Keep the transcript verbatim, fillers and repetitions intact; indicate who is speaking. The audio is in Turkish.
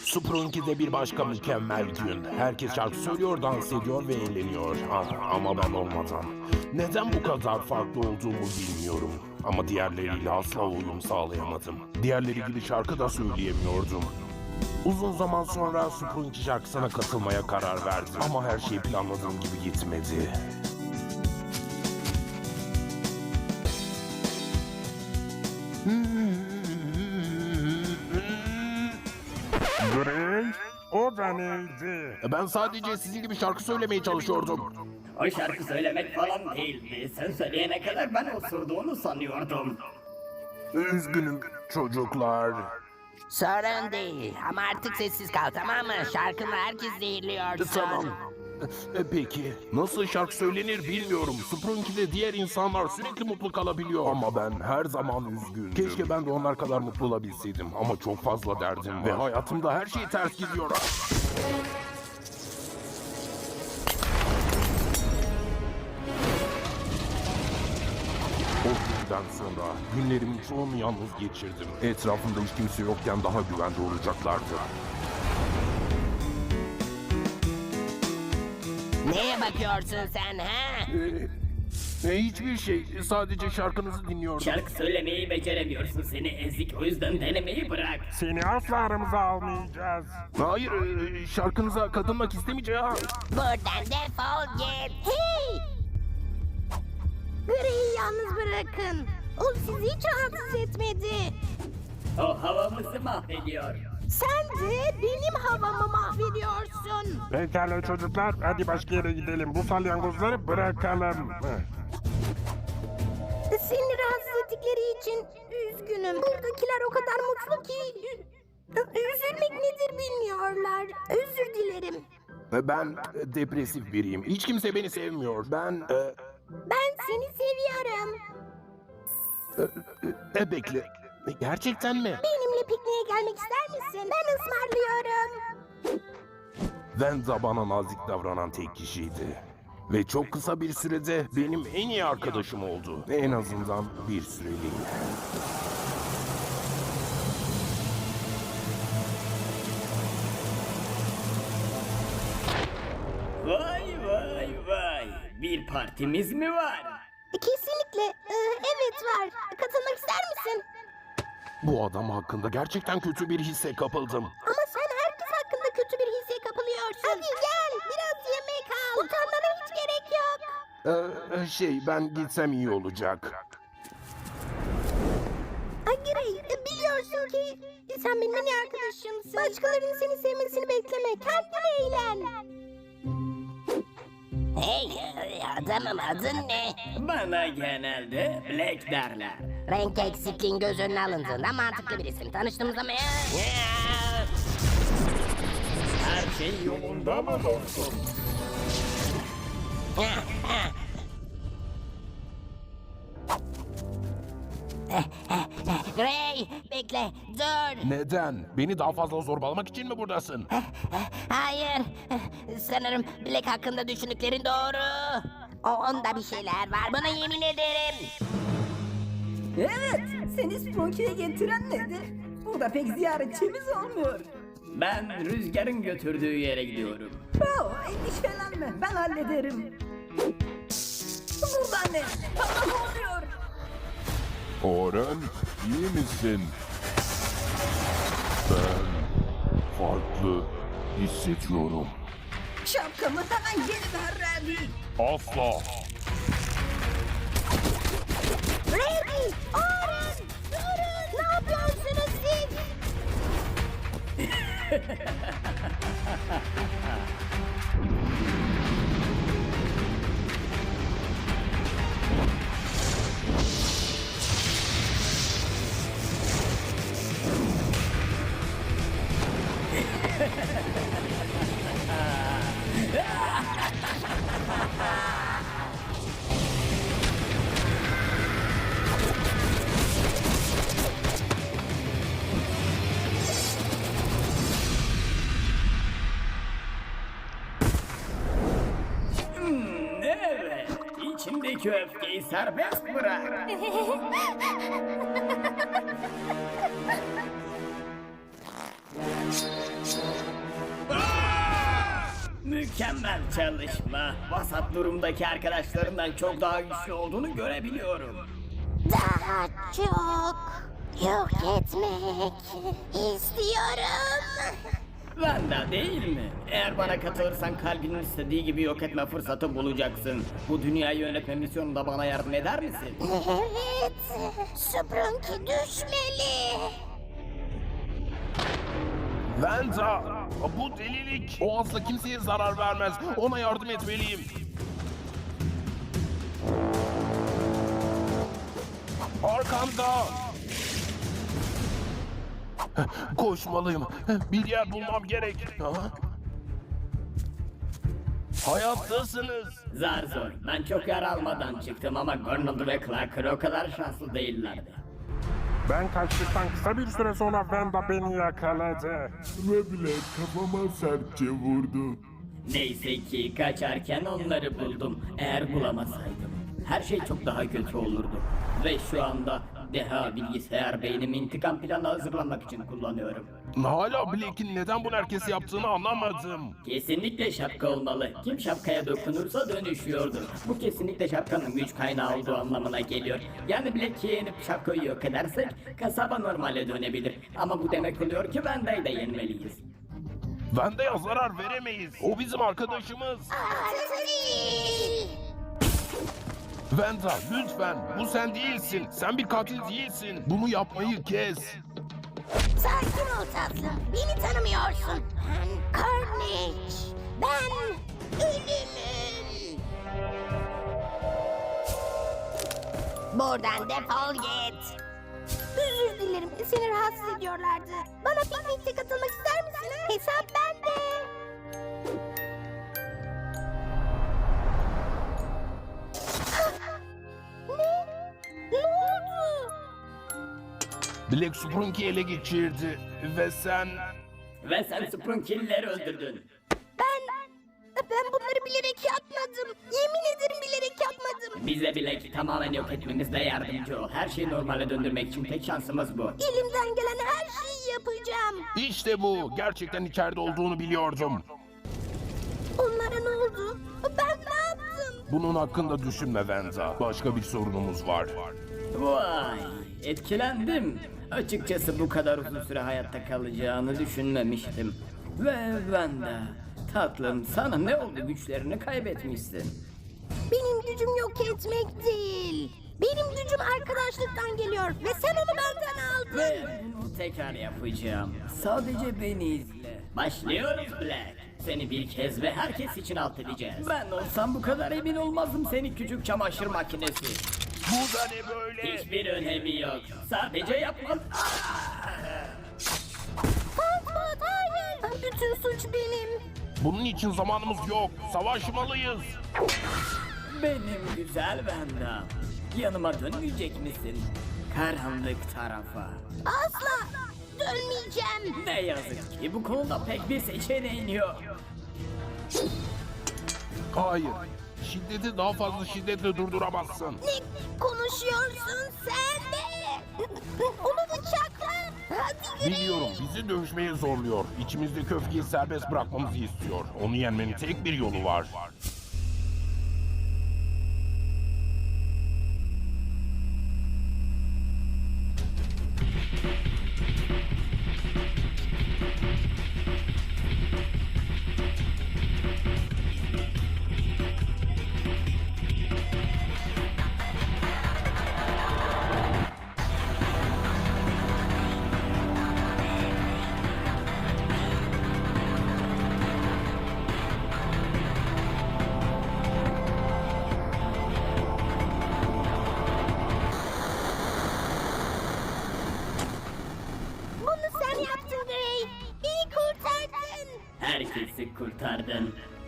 Speaker 1: Sprunky'de bir başka mükemmel gün. Herkes şarkı söylüyor, dans ediyor ve eğleniyor. Ah, ama ben olmadan. Neden bu kadar farklı olduğumu bilmiyorum. Ama diğerleriyle asla uyum sağlayamadım. Diğerleri gibi şarkı da söyleyemiyordum. Uzun zaman sonra Sprunky şarkısına katılmaya karar verdim. Ama her şey planladığım gibi gitmedi.
Speaker 2: Gray, o da neydi?
Speaker 1: Ben sadece sizin gibi şarkı söylemeye çalışıyordum.
Speaker 3: O şarkı söylemek falan değildi. Sen söyleyene kadar ben osurduğunu sanıyordum.
Speaker 1: Üzgünüm çocuklar.
Speaker 4: Sorun değil ama artık sessiz kal, tamam mı? Şarkını herkes zehirliyorsun.
Speaker 1: Tamam. E, Peki nasıl şarkı söylenir bilmiyorum. Sprunky'de diğer insanlar sürekli mutlu kalabiliyor. Ama ben her zaman üzgündüm. Keşke ben de onlar kadar mutlu olabilseydim. Ama çok fazla derdim var. Ve hayatımda her şey ters gidiyor. O günden sonra günlerimin çoğunu yalnız geçirdim. Etrafımda hiç kimse yokken daha güvende olacaklardı.
Speaker 4: Neye bakıyorsun sen ha?
Speaker 1: E, hiçbir şey. Sadece şarkınızı dinliyordum.
Speaker 3: Şarkı söylemeyi beceremiyorsun seni ezik. O yüzden denemeyi bırak.
Speaker 2: Seni asla aramıza almayacağız.
Speaker 1: Hayır, e, şarkınıza katılmak istemeyeceğim.
Speaker 4: Buradan defol git. Hey! Gray'i yalnız bırakın. O sizi hiç rahatsız etmedi.
Speaker 3: O havamızı mahvediyor.
Speaker 4: Sen de benim havamı mahvediyorsun.
Speaker 2: Pekala çocuklar, hadi başka yere gidelim. Bu salyangozları bırakalım. Heh.
Speaker 4: Seni rahatsız ettikleri için üzgünüm. Buradakiler o kadar mutlu ki... Üzülmek nedir bilmiyorlar. Özür dilerim.
Speaker 1: E, Ben e, depresif biriyim. Hiç kimse beni sevmiyor. Ben... E,
Speaker 4: Ben seni seviyorum.
Speaker 1: e, e, bekle. E, Gerçekten mi?
Speaker 4: Benimle pikniğe gelmek ister misin? Ben ısmarlıyorum.
Speaker 1: Venza bana nazik davranan tek kişiydi. Ve çok kısa bir sürede benim en iyi arkadaşım oldu. En azından bir süreliğine.
Speaker 3: Vay vay vay. Bir partimiz mi var?
Speaker 4: Kesinlikle. Ee, evet var. Katılmak ister misin?
Speaker 1: Bu adam hakkında gerçekten kötü bir hisse kapıldım.
Speaker 4: Ama sen herkes hakkında kötü bir hisse kapılıyorsun. Hadi gel. Biraz yemek al. Utanmana hiç gerek yok.
Speaker 1: Ee, şey, ben gitsem iyi olacak.
Speaker 4: Agirey, biliyorsun ki sen benim en iyi arkadaşımsın. Başkalarının seni sevmesini bekleme. Kendin eğlen. Hey, adamım adın ne?
Speaker 3: Bana genelde Black derler.
Speaker 4: Renk eksikliğin göz önüne alındığında mantıklı bir isim. Tanıştığımızda mı?
Speaker 3: Her şey yolunda mı dostum?
Speaker 4: Gray, bekle, dur.
Speaker 1: Neden? Beni daha fazla zorbalamak için mi buradasın?
Speaker 4: Hayır, sanırım Black hakkında düşündüklerin doğru. O onda bir şeyler var, buna yemin ederim.
Speaker 5: Evet, seni Sprunky'ye getiren nedir? Burada pek ziyaretçimiz olmuyor.
Speaker 3: Ben rüzgarın götürdüğü yere gidiyorum.
Speaker 5: Oh, endişelenme, ben hallederim. Burada ne? Bana ne oluyor?
Speaker 1: Oren, iyi misin? Ben farklı hissediyorum.
Speaker 5: Şapkamı hemen geri ver Randy.
Speaker 1: Asla.
Speaker 4: Randy, Oren, durun. Ne yapıyorsunuz siz?
Speaker 3: Evet, içindeki öfkeyi serbest bırak. Mükemmel çalışma. Vasat durumdaki arkadaşlarından çok daha güçlü olduğunu görebiliyorum.
Speaker 4: Daha çok yok etmek istiyorum.
Speaker 3: Vanda değil mi? Eğer bana katılırsan kalbinin istediği gibi yok etme fırsatı bulacaksın. Bu dünyayı yönetme misyonunda bana yardım eder misin?
Speaker 4: Evet, Sprunky düşmeli.
Speaker 1: Venta! Bu delilik! O asla kimseye zarar vermez. Ona yardım etmeliyim. Arkamda! Koşmalıyım. Bir yer bulmam gerek. Ha? Hayattasınız.
Speaker 3: Zar zor. Ben çok yara almadan çıktım ama Gurnald ve Clarker o kadar şanslı değillerdi.
Speaker 2: Ben kaçtıktan kısa bir süre sonra Wanda beni yakaladı.
Speaker 6: Ve bile kafama sertçe vurdu.
Speaker 3: Neyse ki kaçarken onları buldum. Eğer bulamasaydım her şey çok daha kötü olurdu. Ve şu anda deha bilgisayar beynimi intikam planı hazırlamak için kullanıyorum.
Speaker 1: Hala Blake'in neden bunu herkese yaptığını anlamadım.
Speaker 3: Kesinlikle şapka olmalı. Kim şapkaya dokunursa dönüşüyordur. Bu kesinlikle şapkanın güç kaynağı olduğu anlamına geliyor. Yani Blake'i yenip şapkayı yok edersek kasaba normale dönebilir. Ama bu demek oluyor ki Wanda'yı da yenmeliyiz.
Speaker 1: Vanda'ya zarar veremeyiz. O bizim arkadaşımız.
Speaker 4: Artık değil.
Speaker 1: Vanda lütfen. Bu sen değilsin. Sen bir katil değilsin. Bunu yapmayı kes.
Speaker 4: Sakin ol tatlım. Beni tanımıyorsun. Ben Carnage. Ben ölümüm. Buradan defol git. Özür dilerim. Seni rahatsız ediyorlardı. Bana piknikte katılmak ister misin? Hesap bende. Ne? Ne oldu?
Speaker 1: Black Sprunky'i ele geçirdi. Ve sen...
Speaker 3: Ve sen Sprunky'lileri öldürdün.
Speaker 4: Ben... Ben bunları bilerek yapmadım. Yemin ederim bilerek yapmadım.
Speaker 3: Bize bile tamamen yok etmemizde yardımcı ol. Her şeyi normale döndürmek için tek şansımız bu.
Speaker 4: Elimden gelen her şeyi yapacağım.
Speaker 1: İşte bu. Gerçekten içeride olduğunu biliyordum.
Speaker 4: Onlara ne oldu? Ben ne yaptım?
Speaker 1: Bunun hakkında düşünme Vanda. Başka bir sorunumuz var.
Speaker 3: Vay, etkilendim. Açıkçası bu kadar uzun süre hayatta kalacağını düşünmemiştim. Ve ben de, tatlım sana ne oldu, güçlerini kaybetmişsin.
Speaker 4: Benim gücüm yok etmek değil. Benim gücüm arkadaşlıktan geliyor ve sen onu benden aldın.
Speaker 3: Ve bunu tekrar yapacağım. Sadece beni izle. Başlıyoruz Black. Seni bir kez ve herkes için alt edeceğiz. Ben olsam bu kadar emin olmazdım seni küçük çamaşır makinesi.
Speaker 1: Bu da ne böyle?
Speaker 3: Hiçbir önemi yok. Sadece yapman...
Speaker 4: Fatma hayır. Bütün suç benim.
Speaker 1: Bunun için zamanımız yok. Savaşmalıyız.
Speaker 3: Benim güzel Wanda. Yanıma dönmeyecek misin? Karanlık tarafa.
Speaker 4: Asla dönmeyeceğim.
Speaker 3: Ne yazık ki bu konuda pek bir seçeneğin yok.
Speaker 1: Hayır. Şiddeti daha fazla şiddetle durduramazsın.
Speaker 4: Ne konuşuyorsun sen de? Onu bıçakla. Hadi yürü.
Speaker 1: Biliyorum bizi dövüşmeye zorluyor. İçimizdeki öfkeyi serbest bırakmamızı istiyor. Onu yenmenin tek bir yolu var.
Speaker 4: Bunu sen yaptın Gray. Beni kurtardın.
Speaker 3: Herkesi kurtardın.